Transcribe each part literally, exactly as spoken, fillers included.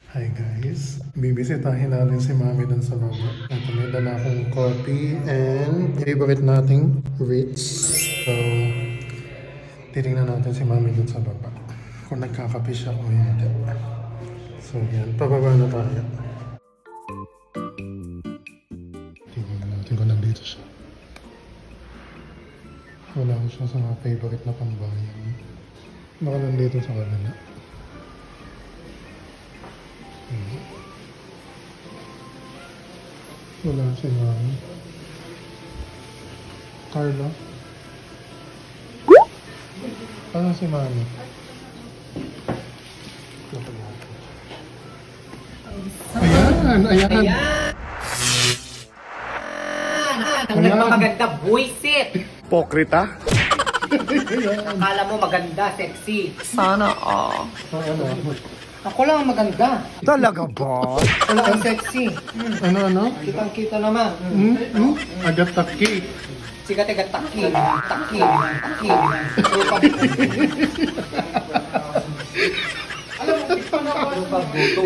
Hi guys, bibisitahin natin si Mami dun sa baba. At may dala akong coffee and favorite nating Ritz. So, titingnan natin si Mami dun sa baba. Kung nagkakape siya o hindi. So yan, pababa na tayo. Tingnan natin kung nandito siya. Wala ko siya sa mga favorite na pambayan. Baka nandito sa kanila. Wala si Mami. Carla? Ano si Mami? Ayan! Ayan! Ayan! Ang Ayan. nagmamaganda, buisit! Pokrita? Akala mo maganda, sexy. Sana all. Ah, ano? Ako lang ang maganda. Talaga ba? Ako lang ang sexy. Hmm. Ano, ano? Kitang-kita naman. Hmm? Hmm. Hmm? Agat taki. Sikat aga taki. Taki. Taki. Rupa. Alam mo, ito na ako. Rupa buto.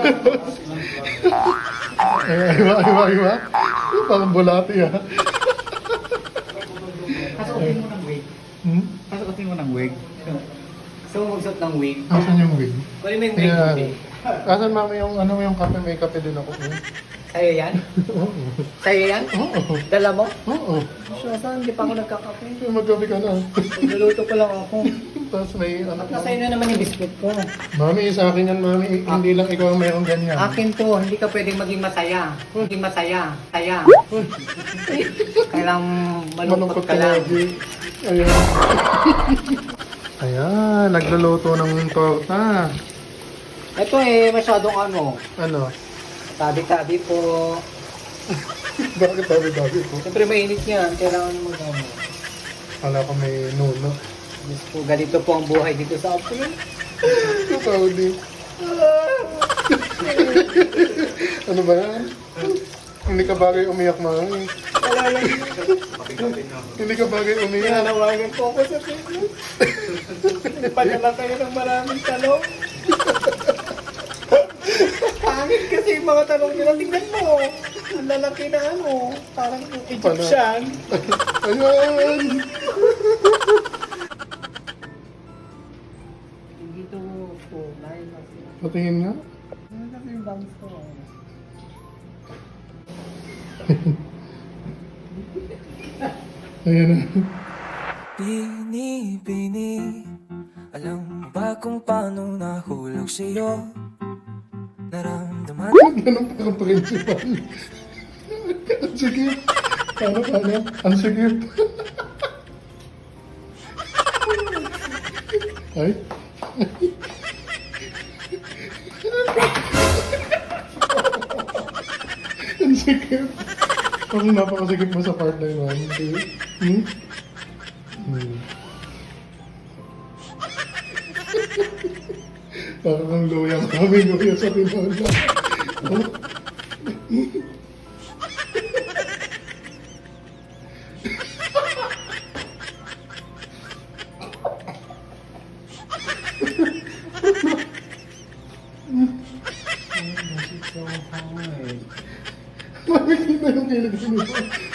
Ay, iwa, iwa, iwa. Parang bulati ah. Kasuotin mo ng wig. Hmm? Kasuotin mo ng wig. Gusto mo magsuot ng wig? Asan yung wig? Kunin mo yung wig. Ayan. Wig. Asan Mami yung, ano yung kape? May kape din ako. Eh. Sa'yo yan? Oo. Sa'yo yan? Oo. Dala mo? Oo. Siya, saan? Hindi pa ako nagkakape. Magkape ka na. Naluto pa lang ako. Tapos may ano At pa. nasa'yo na naman yung biscuit ko. Mami, sa akin yan, Mami. Hindi lang ikaw ang mayroong ganyan. Akin to, hindi ka pwedeng maging masaya. Hindi masaya. Saya. Kailang malungkot ka lang. lagi. Ayan. Ayan, nagluluto ng torta. Ito eh, masyadong ano, Ano? tabi-tabi po. Bakit tabi-tabi ko? Siyempre mainit yan, kailangan mo ano. Kala ko may nuno. Diyos po, ganito po ang buhay dito sa Apo. Ikaw din. Ano ba yan? Hindi ka bagay umiyak, Mami. Wala lang. Hindi ka bagay umiyak. Nanawagan po ako sa Facebook. Padala kayo ng maraming talong. Pangit kasi yung mga talong nila. Tingnan mo. Ang lalaki na ano. Parang Egyptian. Ayan! Dito po. Dahil kasi. Patingin nga. Ano kasi yung bangs ko? Ayan na. Bini-bini, alam mo ba kung paano nahulog sa'yo? Naramdaman Ganun pa ang principal. Ang sigit. Paano, paano? Ang sigit. Ay. Ang sigit. Parang napakasigit mo sa part na yun. Mami. Hmm? Hmm. Parang ang luya. Kami luya sa tinola. Mami, kita yung kilig mo.